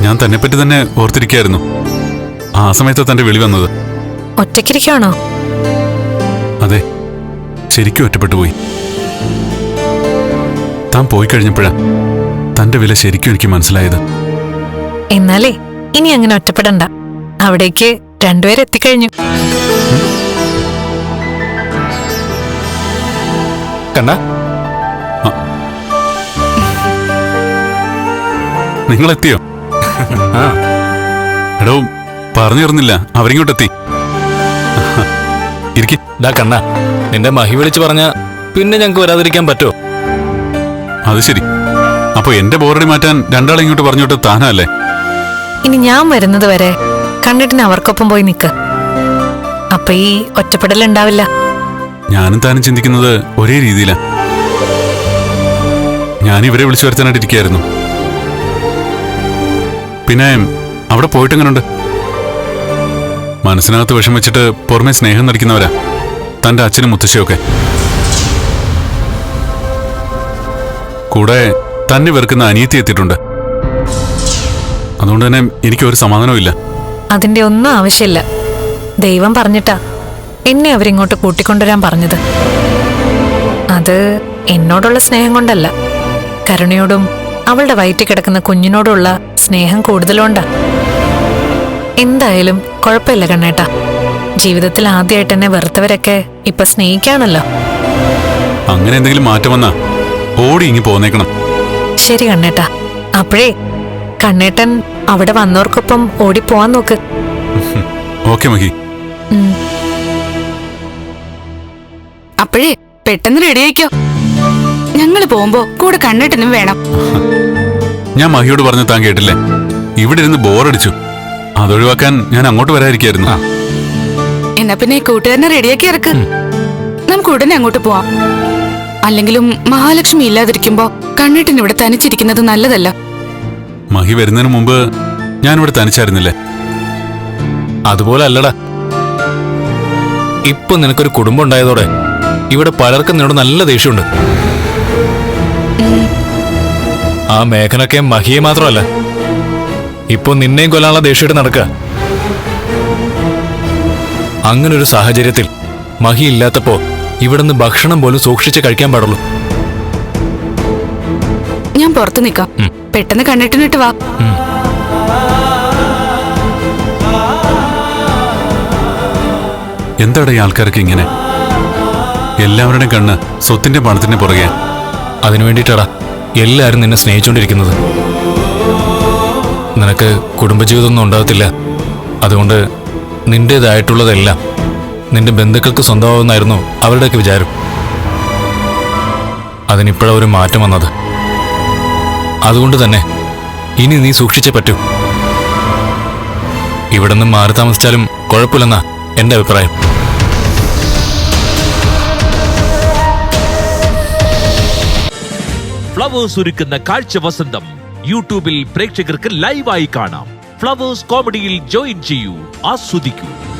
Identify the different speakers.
Speaker 1: ഞാൻ തന്നെപ്പറ്റി തന്നെ ഓർത്തിരിക്കായിരുന്നു. ആ സമയത്ത് തന്റെ വിളി വന്നത്.
Speaker 2: ഒറ്റയ്ക്കിരിക്കാണോ?
Speaker 1: അതെ, ശരിക്കും ഒറ്റപ്പെട്ടു പോയി. താൻ പോയി കഴിഞ്ഞപ്പോഴാ തന്റെ വില ശരിക്കും എനിക്ക് മനസ്സിലായത്.
Speaker 2: എന്നാലേ ഇനി അങ്ങനെ ഒറ്റപ്പെടണ്ട. അവിടേക്ക് രണ്ടുപേരെത്തിക്കഴിഞ്ഞു.
Speaker 3: കണ്ണാ,
Speaker 1: നിങ്ങളെത്തിയോ? എടോ, പറഞ്ഞിരുന്നില്ല, അവരിങ്ങോട്ടെത്തി. ഇരിക്കി.
Speaker 3: ഡാ കണ്ണാ, നിന്റെ മഹി വിളിച്ച് പറഞ്ഞ പിന്നെ ഞങ്ങക്ക് വരാതിരിക്കാൻ പറ്റുമോ?
Speaker 1: അത് ശരി. അപ്പൊ എന്റെ ബോറടി മാറ്റാൻ രണ്ടാളെ ഇങ്ങോട്ട് പറഞ്ഞോട്ട് താനല്ലേ?
Speaker 2: ഇനി ഞാൻ വരുന്നത് വരെ കണ്ണിട്ടിന് അവർക്കൊപ്പം പോയി നിക്ക്. അപ്പൊ ഈ ഒറ്റപ്പെടലുണ്ടാവില്ല.
Speaker 1: ഞാനും താനും ചിന്തിക്കുന്നത് ഒരേ രീതിയിലാ. ഞാൻ ഇവരെ വിളിച്ചു വരുത്താനായിട്ടിരിക്കുകയായിരുന്നു. പിന്നെ അവിടെ പോയിട്ടെങ്ങനുണ്ട്? മനസ്സിനകത്ത് വിഷം വെച്ചിട്ട് പുറമെ സ്നേഹം നടിക്കുന്നവരാ തന്റെ അച്ഛനും മുത്തശ്ശിയൊക്കെ. കൂടെ തന്നെ വെറുക്കുന്ന അനിയത്തി എത്തിയിട്ടുണ്ട്. അതുകൊണ്ട് തന്നെ എനിക്കൊരു സമാധാനവും ഇല്ല.
Speaker 2: അതിന്റെ ഒന്നും ആവശ്യമില്ല. ദൈവം പറഞ്ഞിട്ടാ എന്നെ അവരിങ്ങോട്ട് കൂട്ടിക്കൊണ്ടുവരാൻ പറഞ്ഞത്. അത് എന്നോടുള്ള സ്നേഹം കൊണ്ടല്ല, കരുണയോടും അവളുടെ വയറ്റിൽ കിടക്കുന്ന കുഞ്ഞിനോടുള്ള സ്നേഹം കൂടുതലുണ്ടാ. എന്തായാലും കുഴപ്പമില്ല കണ്ണേട്ടാ. ജീവിതത്തിൽ ആദ്യമായിട്ട് എന്നെ വെറുത്തവരൊക്കെ ഇപ്പൊ സ്നേഹിക്കാണല്ലോ.
Speaker 1: അങ്ങനെ എന്തെങ്കിലും മാറ്റം വന്നാ ഓടി ഇങ്ങി പോന്നേക്കണം.
Speaker 2: ശരി കണ്ണേട്ടാ. അപ്പോഴേ കണ്ണേട്ടൻ അവിടെ വന്നവർക്കൊപ്പം ഓടിപ്പോവാൻ നോക്ക്.
Speaker 1: ഓക്കെ മഹി.
Speaker 4: അപ്പോഴേ പെട്ടെന്ന് റെഡിയായിക്കോ. ഞങ്ങള് പോകുമ്പോ കൂടെ കണ്ണേട്ടനും വേണം.
Speaker 1: ഞാൻ മഹിയോട് പറഞ്ഞ താൻ കേട്ടില്ലേ? ഇവിടെ ഇരുന്ന് ബോറടിച്ചു. അതൊഴിവാക്കാൻ ഞാൻ അങ്ങോട്ട് വരാതിരിക്കായിരുന്നു.
Speaker 4: എന്നാ പിന്നെ കൂട്ടുകാരനെ റെഡിയാക്കി ഇറക്ക്. നമുക്ക് ഉടനെ അങ്ങോട്ട് പോവാം. അല്ലെങ്കിലും മഹാലക്ഷ്മി ഇല്ലാതിരിക്കുമ്പോ കണ്ണേട്ടൻ ഇവിടെ തനിച്ചിരിക്കുന്നത് നല്ലതല്ല.
Speaker 1: മഹി വരുന്നതിന് മുമ്പ് ഞാനിവിടെ തനിച്ചായിരുന്നില്ലേ?
Speaker 3: അതുപോലെ അല്ലടാ, ഇപ്പൊ നിനക്കൊരു കുടുംബം ഉണ്ടായതോടെ ഇവിടെ പലർക്കും നിന്നോട് നല്ല ദേഷ്യമുണ്ട്. ആ മേഘനൊക്കെ മഹിയെ മാത്രമല്ല, ഇപ്പൊ നിന്നെയും കൊല്ലാനുള്ള ദേഷ്യമായിട്ട് നടക്കുക. അങ്ങനൊരു സാഹചര്യത്തിൽ മഹി ഇല്ലാത്തപ്പോ ഇവിടുന്ന് ഭക്ഷണം പോലും സൂക്ഷിച്ച് കഴിക്കാൻ പാടുള്ളൂ.
Speaker 4: ഞാൻ പുറത്തു നിക്കാം. പെട്ടെന്ന് കണ്ണേട്ടനിട്ട് വാ.
Speaker 1: എന്താടാ ഈ ആൾക്കാർക്ക് ഇങ്ങനെ? എല്ലാവരുടെയും കണ്ണ് സ്വത്തിന്റെ പണത്തിന്റെ പുറകെ.
Speaker 3: അതിനു വേണ്ടിയിട്ടാടാ എല്ലാരും നിന്നെ സ്നേഹിച്ചുകൊണ്ടിരിക്കുന്നത്. നിനക്ക് കുടുംബജീവിതമൊന്നും ഉണ്ടാകത്തില്ല. അതുകൊണ്ട് നിന്റേതായിട്ടുള്ളതെല്ലാം നിന്റെ ബന്ധുക്കൾക്ക് സ്വന്തമാവുന്നായിരുന്നു അവരുടെയൊക്കെ വിചാരം. അതിനിപ്പോഴാ ഒരു മാറ്റം വന്നത്. അതുകൊണ്ട് തന്നെ ഇനി നീ സൂക്ഷിച്ചേ പറ്റൂ. ഇവിടെ നിന്ന് മാറി താമസിച്ചാലും കുഴപ്പമില്ലെന്നാ എന്റെ അഭിപ്രായം.
Speaker 5: ഫ്ലവേഴ്സ് ഒരുക്കുന്ന കാഴ്ച വസന്തം യൂട്യൂബിൽ പ്രേക്ഷകർക്ക് ലൈവായി കാണാം. ഫ്ലവേഴ്സ് കോമഡിയിൽ ജോയിൻ ചെയ്യൂ, ആസ്വദിക്കൂ.